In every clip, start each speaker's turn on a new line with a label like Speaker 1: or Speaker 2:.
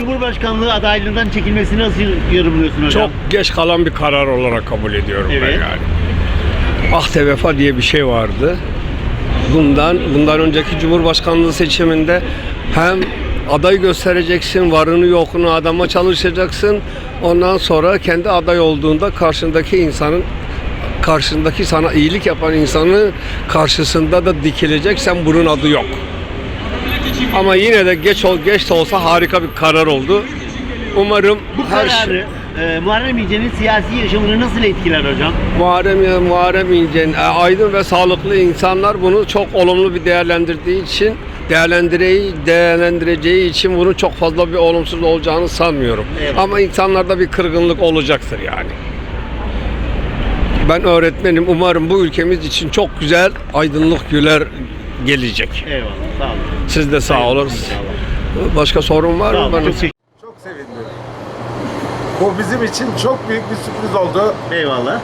Speaker 1: Cumhurbaşkanlığı adaylığından çekilmesini nasıl yorumluyorsun hocam?
Speaker 2: Çok geç kalan bir karar olarak kabul ediyorum ben
Speaker 1: Evet.
Speaker 2: yani. Ahde vefa diye bir şey vardı. Bundan önceki Cumhurbaşkanlığı seçiminde hem aday göstereceksin, varını yokunu adama çalışacaksın. Ondan sonra kendi aday olduğunda karşındaki sana iyilik yapan insanın karşısında da dikileceksen bunun adı yok. Ama yine de geç de olsa harika bir karar oldu. Umarım
Speaker 1: Bu kararı Muharrem İnce'nin siyasi yaşamını nasıl etkiler hocam?
Speaker 2: Muharrem İnce'nin aydın ve sağlıklı insanlar bunu çok olumlu bir değerlendireceği için bunun çok fazla bir olumsuz olacağını sanmıyorum.
Speaker 1: Evet.
Speaker 2: Ama insanlarda bir kırgınlık olacaktır yani. Ben öğretmenim. Umarım bu ülkemiz için çok güzel aydınlık günler gelecek.
Speaker 1: Eyvallah, sağ olun.
Speaker 2: Siz de sağ olun. Başka sorun var
Speaker 1: Sağ
Speaker 2: mı?
Speaker 1: olun,
Speaker 2: Bana?
Speaker 1: çok teşekkür
Speaker 3: Çok sevindim. Bu bizim için çok büyük bir sürpriz oldu.
Speaker 1: Eyvallah.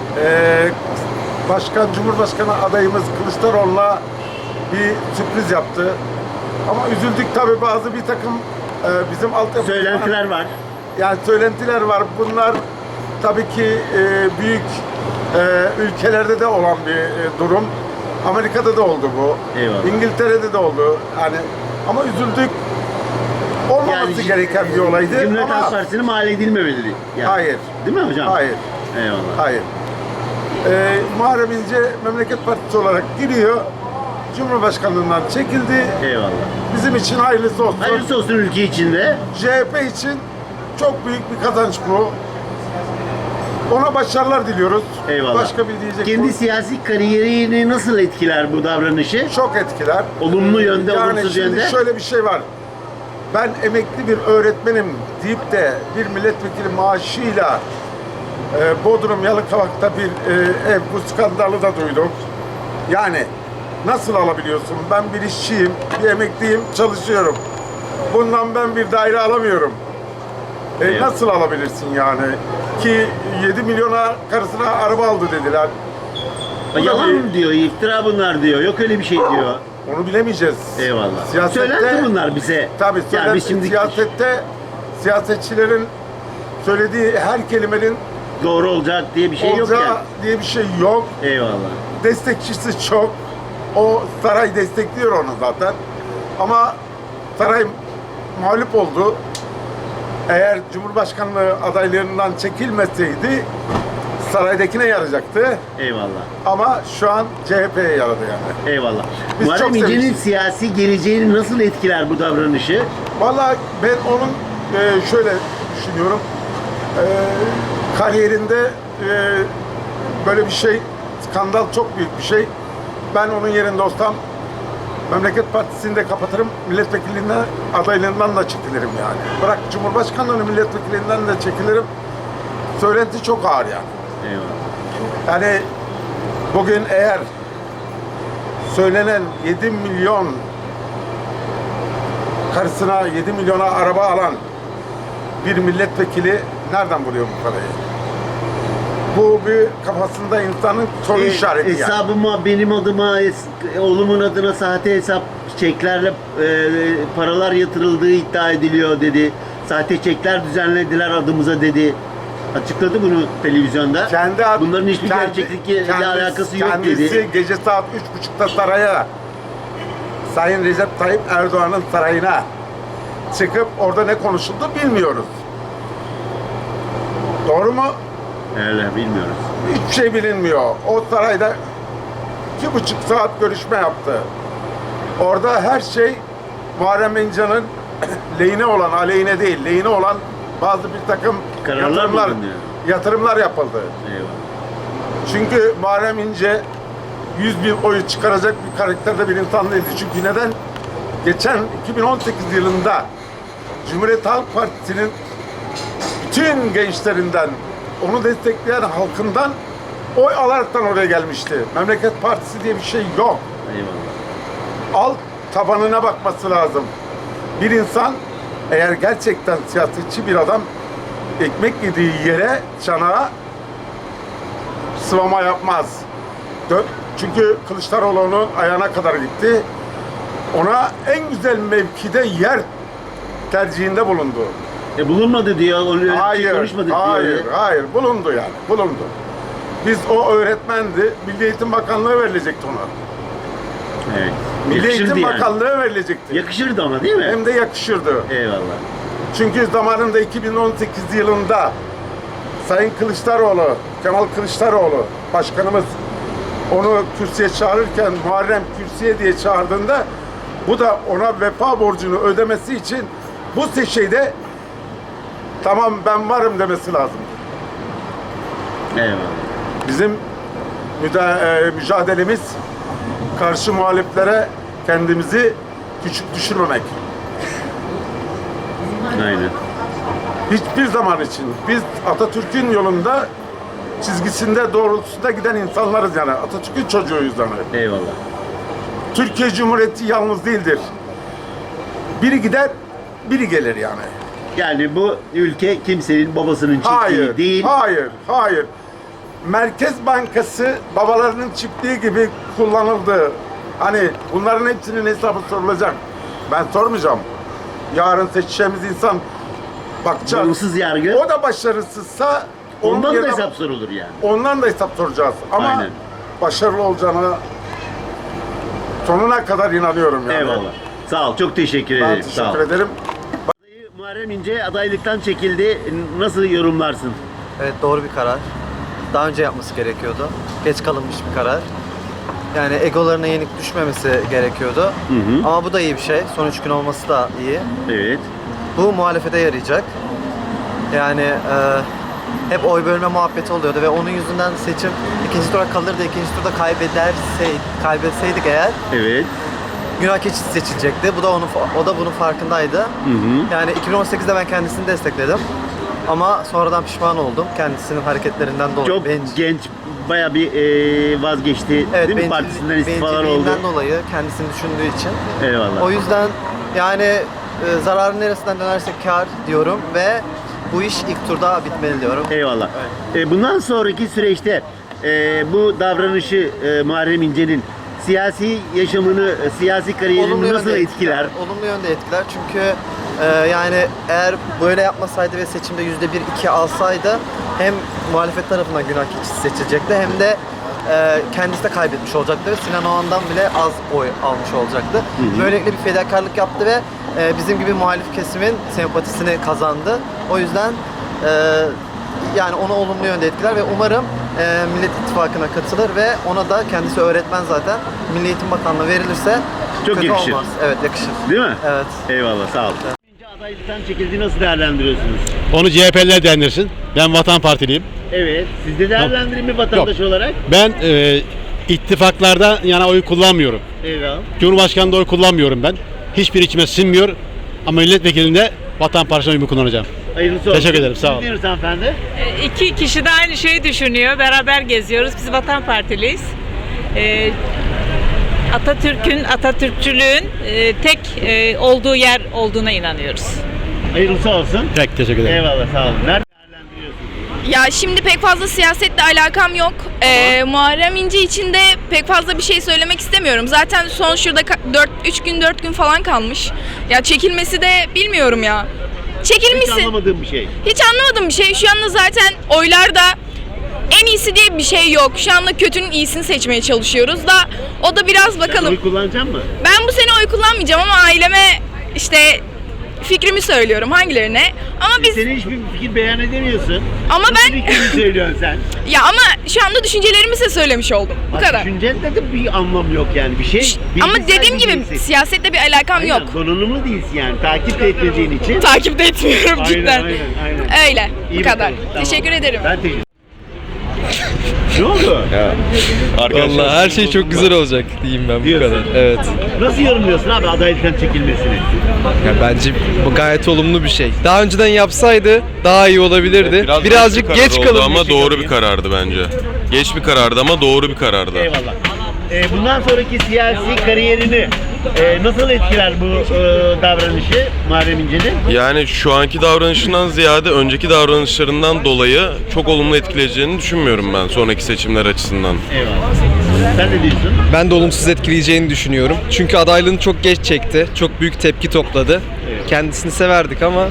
Speaker 3: Cumhurbaşkanı adayımız Kılıçdaroğlu'na bir sürpriz yaptı. Ama üzüldük tabii, bazı bir takım bizim altyapı...
Speaker 1: Söylentiler var.
Speaker 3: Yani söylentiler var. Bunlar tabii ki büyük ülkelerde de olan bir durum. Amerika'da da oldu bu.
Speaker 1: Eyvallah.
Speaker 3: İngiltere'de de oldu. Yani ama üzüldük. Olmaması gereken bir olaydı.
Speaker 1: Cumhuriyet Halk
Speaker 3: Ama
Speaker 1: Partisi'ne mal edilmemeli. Yani.
Speaker 3: hayır.
Speaker 1: Değil mi hocam?
Speaker 3: Hayır.
Speaker 1: Eyvallah.
Speaker 3: Hayır. Muharrem İnce Memleket Partisi olarak giriyor. Cumhurbaşkanlığından çekildi.
Speaker 1: Eyvallah.
Speaker 3: Bizim için hayırlısı olsun.
Speaker 1: Hayırlısı olsun ülke içinde.
Speaker 3: CHP için çok büyük bir kazanç bu. Ona başarılar diliyoruz.
Speaker 1: Eyvallah.
Speaker 3: Başka bir diyecek
Speaker 1: Kendi siyasi kariyerini nasıl etkiler bu davranışı?
Speaker 3: çok etkiler.
Speaker 1: Olumlu yönde,
Speaker 3: Yani
Speaker 1: olumsuz
Speaker 3: şimdi
Speaker 1: yönde.
Speaker 3: şöyle bir şey var. Ben emekli bir öğretmenim deyip de bir milletvekili maaşıyla Bodrum Yalıkavak'ta bir ev, bu skandalı da duyduk. Yani nasıl alabiliyorsun? Ben bir işçiyim, bir emekliyim, çalışıyorum. Bundan ben bir daire alamıyorum.
Speaker 1: Evet.
Speaker 3: Nasıl alabilirsin yani? Ki 7 milyona karısına araba aldı dediler. Bu da
Speaker 1: Yalan
Speaker 3: bir-
Speaker 1: mı diyor, iftira bunlar diyor, yok öyle bir şey diyor.
Speaker 3: Onu bilemeyeceğiz.
Speaker 1: Eyvallah.
Speaker 3: Siyasette-
Speaker 1: Söylenti bunlar bize.
Speaker 3: Tabii
Speaker 1: Yani biz şimdi
Speaker 3: siyasette siyasetçilerin söylediği her kelimenin
Speaker 1: doğru olacak diye bir şey yok
Speaker 3: olacağı
Speaker 1: yani.
Speaker 3: diye bir şey yok.
Speaker 1: Eyvallah.
Speaker 3: Destekçisi çok. O saray destekliyor onu zaten. Ama saray mağlup oldu. Eğer Cumhurbaşkanlığı adaylarından çekilmeseydi saraydakine yarayacaktı.
Speaker 1: Eyvallah.
Speaker 3: Ama şu an CHP'ye yaradı yani.
Speaker 1: Eyvallah.
Speaker 3: Biz
Speaker 1: Muharrem
Speaker 3: çok
Speaker 1: İnce'nin
Speaker 3: sevinçliyiz.
Speaker 1: siyasi geleceğini nasıl etkiler bu davranışı?
Speaker 3: Vallahi ben onun şöyle düşünüyorum. Kariyerinde böyle bir şey, skandal çok büyük bir şey. Ben onun yerinde olsam Memleket Partisi'ni de kapatırım, milletvekilliğinden, adaylığından da çekilirim yani. Bırak Cumhurbaşkanlığını, milletvekilliğinden de çekilirim. Söylenti çok ağır yani.
Speaker 1: Eyvallah.
Speaker 3: Yani bugün eğer söylenen 7 milyon karısına 7 milyona araba alan bir milletvekili nereden buluyor bu parayı? Bu bir kafasında insanın soru işareti yani.
Speaker 1: Hesabıma, benim adıma, oğlumun adına sahte hesap çeklerle paralar yatırıldığı iddia ediliyor dedi. Sahte çekler düzenlediler adımıza dedi. Açıkladı bunu televizyonda. Bunların hiçbir gerçeklikle alakası yok dedi.
Speaker 3: Kendisi gece saat 3.30'da saraya, Sayın Recep Tayyip Erdoğan'ın sarayına çıkıp orada ne konuşuldu bilmiyoruz. Doğru mu?
Speaker 1: Öyle bilmiyoruz.
Speaker 3: Hiçbir şey bilinmiyor. O sarayda 2,5 saat görüşme yaptı. Orada her şey Muharrem İnce'nin lehine olan, aleyhine değil, lehine olan bazı bir takım
Speaker 1: Kararlar bulunuyor.
Speaker 3: yatırımlar yapıldı.
Speaker 1: Eyvallah.
Speaker 3: Çünkü Muharrem İnce 100 bin oyu çıkaracak bir karakterde bir insan değildi. Çünkü neden? Geçen 2018 yılında Cumhuriyet Halk Partisi'nin bütün gençlerinden, onu destekleyen halkından oy alaraktan oraya gelmişti. Memleket Partisi diye bir şey yok.
Speaker 1: Eyvallah.
Speaker 3: Alt tabanına bakması lazım. Bir insan eğer gerçekten siyasetçi bir adam ekmek yediği yere, çanağa sıvama yapmaz. Çünkü Kılıçdaroğlu'nun ayağına kadar gitti. Ona en güzel mevkide yer tercihinde bulundu.
Speaker 1: Bulunmadı diyor, onu öyle bir şey
Speaker 3: Hayır,
Speaker 1: konuşmadık
Speaker 3: hayır,
Speaker 1: diyor.
Speaker 3: hayır. Bulundu yani, bulundu. Biz o öğretmendi, Milli Eğitim Bakanlığı verilecekti ona.
Speaker 1: Evet.
Speaker 3: Milli
Speaker 1: Yakışırdı
Speaker 3: Eğitim
Speaker 1: yani.
Speaker 3: Bakanlığı verilecekti.
Speaker 1: Yakışırdı ama değil mi?
Speaker 3: Hem de yakışırdı.
Speaker 1: Eyvallah.
Speaker 3: Çünkü zamanında 2018 yılında Sayın Kılıçdaroğlu, Kemal Kılıçdaroğlu başkanımız onu kürsüye çağırırken Muharrem kürsüye diye çağırdığında bu da ona vefa borcunu ödemesi için bu şeyde tamam ben varım demesi lazım.
Speaker 1: Eyvallah.
Speaker 3: Bizim mücadelemiz karşı muhaliflere kendimizi küçük düşürmemek.
Speaker 1: Aynen.
Speaker 3: Hiçbir zaman için biz Atatürk'ün yolunda çizgisinde doğrultusunda giden insanlarız yani. Atatürk'ün çocuğuyuz yani.
Speaker 1: Eyvallah.
Speaker 3: Türkiye Cumhuriyeti yalnız değildir. Biri gider, biri gelir yani.
Speaker 1: Yani bu ülke kimsenin babasının çiftliği
Speaker 3: Hayır,
Speaker 1: değil.
Speaker 3: hayır, hayır. Merkez Bankası babalarının çiftliği gibi kullanıldı. Hani bunların hepsinin hesabı sorulacak. Ben sormayacağım. Yarın seçeceğimiz insan bakacağız.
Speaker 1: Bağımsız yargı.
Speaker 3: O da başarısızsa onun
Speaker 1: Ondan da
Speaker 3: yerine-
Speaker 1: hesap sorulur yani.
Speaker 3: Ondan da hesap soracağız. Ama
Speaker 1: Aynen.
Speaker 3: başarılı olacağına sonuna kadar inanıyorum yani.
Speaker 1: Eyvallah. Sağ ol. Çok teşekkür
Speaker 3: Ben
Speaker 1: ederim. Sağ ol.
Speaker 3: teşekkür ederim.
Speaker 1: Muharrem İnce adaylıktan çekildi. Nasıl yorumlarsın?
Speaker 4: Evet, doğru bir karar. Daha önce yapması gerekiyordu. Geç kalınmış bir karar. Yani egolarına yenik düşmemesi gerekiyordu.
Speaker 1: hı.
Speaker 4: Ama bu da iyi bir şey. Son 3 gün olması da iyi.
Speaker 1: Evet.
Speaker 4: Bu muhalefete yarayacak. Yani hep oy bölme muhabbeti oluyordu ve onun yüzünden seçim ikinci tura kalırdı. İkinci turda kaybetseydik eğer
Speaker 1: Evet.
Speaker 4: günah keçisi seçilecekti. O da bunun farkındaydı.
Speaker 1: Hı hı.
Speaker 4: Yani 2018'de ben kendisini destekledim. Ama sonradan pişman oldum kendisinin hareketlerinden dolayı.
Speaker 1: Çok genç, baya bir vazgeçti
Speaker 4: Evet,
Speaker 1: değil mi? Partisinden istifalar oldu.
Speaker 4: bencilliğinden dolayı kendisini düşündüğü için.
Speaker 1: Eyvallah.
Speaker 4: O yüzden yani zararın neresinden dönersek kar diyorum ve bu iş ilk turda bitmeli diyorum.
Speaker 1: Eyvallah. Bundan sonraki süreçte bu davranışı Muharrem İnce'nin siyasi yaşamını, siyasi kariyerini nasıl etkiler?
Speaker 4: Olumlu yönde etkiler çünkü yani eğer böyle yapmasaydı ve seçimde %1-2 alsaydı hem muhalefet tarafından günah keçisi seçilecekti hem de kendisi de kaybetmiş olacaktı ve Sinan Oğan'dan bile az oy almış olacaktı. Böylelikle bir fedakarlık yaptı ve bizim gibi muhalif kesimin sempatisini kazandı. O yüzden yani onu olumlu yönde etkiler ve umarım Millet İttifakı'na katılır ve ona da kendisi öğretmen zaten Milli Eğitim Bakanlığı verilirse
Speaker 1: Çok
Speaker 4: kötü
Speaker 1: yakışır.
Speaker 4: olmaz. Evet, yakışır.
Speaker 1: Değil mi?
Speaker 4: Evet.
Speaker 1: Eyvallah, sağ ol. İnce adaylıktan çekildi, nasıl değerlendiriyorsunuz?
Speaker 5: Onu CHP'liler dendirsin. Ben Vatan Partiliyim.
Speaker 1: Evet, siz de değerlendirin mi vatandaş olarak?
Speaker 5: Ben ittifaklarda yana oy kullanmıyorum.
Speaker 1: Eyvallah.
Speaker 5: Cumhurbaşkanı'nda oy kullanmıyorum ben. Hiçbir içime sinmiyor. Ama milletvekilinde Vatan Partisi'ne oyumu kullanacağım.
Speaker 1: Hayırlısı olsun.
Speaker 5: Teşekkür ederim, sağ olun.
Speaker 1: Siz diyorsunuz hanımefendi?
Speaker 6: İki kişi de aynı şeyi düşünüyor. Beraber geziyoruz. Biz Vatan Partiliyiz. Atatürkçülüğün tek olduğu yer olduğuna inanıyoruz.
Speaker 1: Hayırlısı olsun.
Speaker 5: Peki, teşekkür ederim.
Speaker 1: Eyvallah, sağ olun. Nerede değerlendiriyorsunuz?
Speaker 7: Ya şimdi pek fazla siyasetle alakam yok. Muharrem İnce için de pek fazla bir şey söylemek istemiyorum. Zaten son şurada 4 gün falan kalmış. Ya çekilmesi de bilmiyorum ya.
Speaker 1: Hiç
Speaker 7: Çekilmişsin.
Speaker 1: anlamadığım bir şey.
Speaker 7: Hiç anlamadım bir şey. Şu anda zaten oylarda en iyisi diye bir şey yok. Şu anda kötünün iyisini seçmeye çalışıyoruz da o da biraz
Speaker 1: Sen
Speaker 7: bakalım.
Speaker 1: oy kullanacak mısın?
Speaker 7: Ben bu sene oy kullanmayacağım ama aileme işte fikrimi söylüyorum hangilerine. Ama biz
Speaker 1: Senin hiçbir fikir beyan edemiyorsun.
Speaker 7: Ama
Speaker 1: Nasıl
Speaker 7: ben-
Speaker 1: fikrini söylüyorsun sen?
Speaker 7: ya ama şu anda düşüncelerimi size söylemiş oldum. Bu
Speaker 1: Bak,
Speaker 7: kadar.
Speaker 1: düşüncende de bir anlam yok yani. Bir şey.
Speaker 7: Ama
Speaker 1: bilgisayar
Speaker 7: dediğim gibi
Speaker 1: diyeceksin.
Speaker 7: siyasetle bir alakam
Speaker 1: Aynen,
Speaker 7: yok.
Speaker 1: donanımlı değilsin yani. Takip de etmediğin için.
Speaker 7: Takip de etmiyorum cidden.
Speaker 1: Aynen.
Speaker 7: Öyle.
Speaker 1: İyi
Speaker 7: bu kadar.
Speaker 1: bakalım, tamam.
Speaker 7: Teşekkür ederim.
Speaker 1: Ben teşekkür Ne oldu?
Speaker 8: Vallahi her şey çok güzel olacak diyeyim ben bu
Speaker 1: Diyorsun.
Speaker 8: kadar. Evet.
Speaker 1: Nasıl yorumluyorsun abi adaylıktan çekilmesini?
Speaker 8: Ya bence bu gayet olumlu bir şey. Daha önceden yapsaydı daha iyi olabilirdi. Birazcık geç
Speaker 9: oldu
Speaker 8: kalınmış.
Speaker 9: ama doğru bir karardı bence. Geç bir karardı ama doğru bir karardı.
Speaker 1: Eyvallah. Bundan sonraki siyasi kariyerini nasıl etkiler bu davranışı Muharrem İnce'nin?
Speaker 9: Yani şu anki davranışından ziyade önceki davranışlarından dolayı çok olumlu etkileyeceğini düşünmüyorum ben sonraki seçimler açısından.
Speaker 1: Eyvallah. Sen ne diyorsun?
Speaker 8: Ben de olumsuz etkileyeceğini düşünüyorum. Çünkü adaylığını çok geç çekti. Çok büyük tepki topladı. Kendisini severdik ama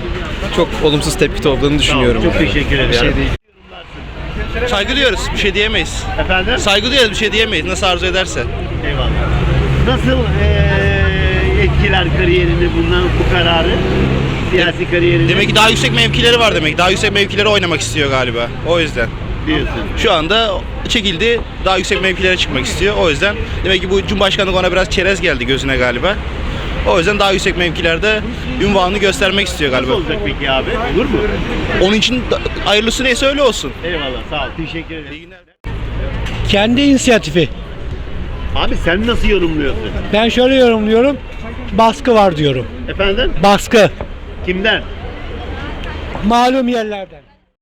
Speaker 8: çok olumsuz tepki topladığını düşünüyorum.
Speaker 1: Çok
Speaker 8: yani.
Speaker 1: teşekkür
Speaker 8: Bir şey
Speaker 1: ederim.
Speaker 8: değil.
Speaker 10: Saygı duyuyoruz. Bir şey diyemeyiz.
Speaker 1: Efendim?
Speaker 10: Saygı duyuyoruz. Bir şey diyemeyiz. Nasıl arzu ederse.
Speaker 1: Eyvallah. Nasıl etkiler kariyerini bundan bu kararı? Siyasi kariyerini
Speaker 10: Demek ki daha yüksek mevkileri var demek. Daha yüksek mevkilere oynamak istiyor galiba. O yüzden.
Speaker 1: diyorsun.
Speaker 10: Şu anda çekildi. Daha yüksek mevkilere çıkmak istiyor. O yüzden demek ki bu Cumhurbaşkanlığı ona biraz çerez geldi gözüne galiba. O yüzden daha yüksek mevkilerde ünvanını göstermek istiyor
Speaker 1: Nasıl
Speaker 10: galiba.
Speaker 1: olacak peki abi? Olur mu?
Speaker 10: Onun için hayırlısı neyse öyle olsun.
Speaker 1: Eyvallah, sağ ol. Teşekkür ederim.
Speaker 10: İyi günler.
Speaker 11: Kendi inisiyatifi.
Speaker 1: Abi sen nasıl yorumluyorsun?
Speaker 11: Ben şöyle yorumluyorum. Baskı var diyorum.
Speaker 1: Efendim?
Speaker 11: Baskı.
Speaker 1: Kimden?
Speaker 11: Malum yerlerden.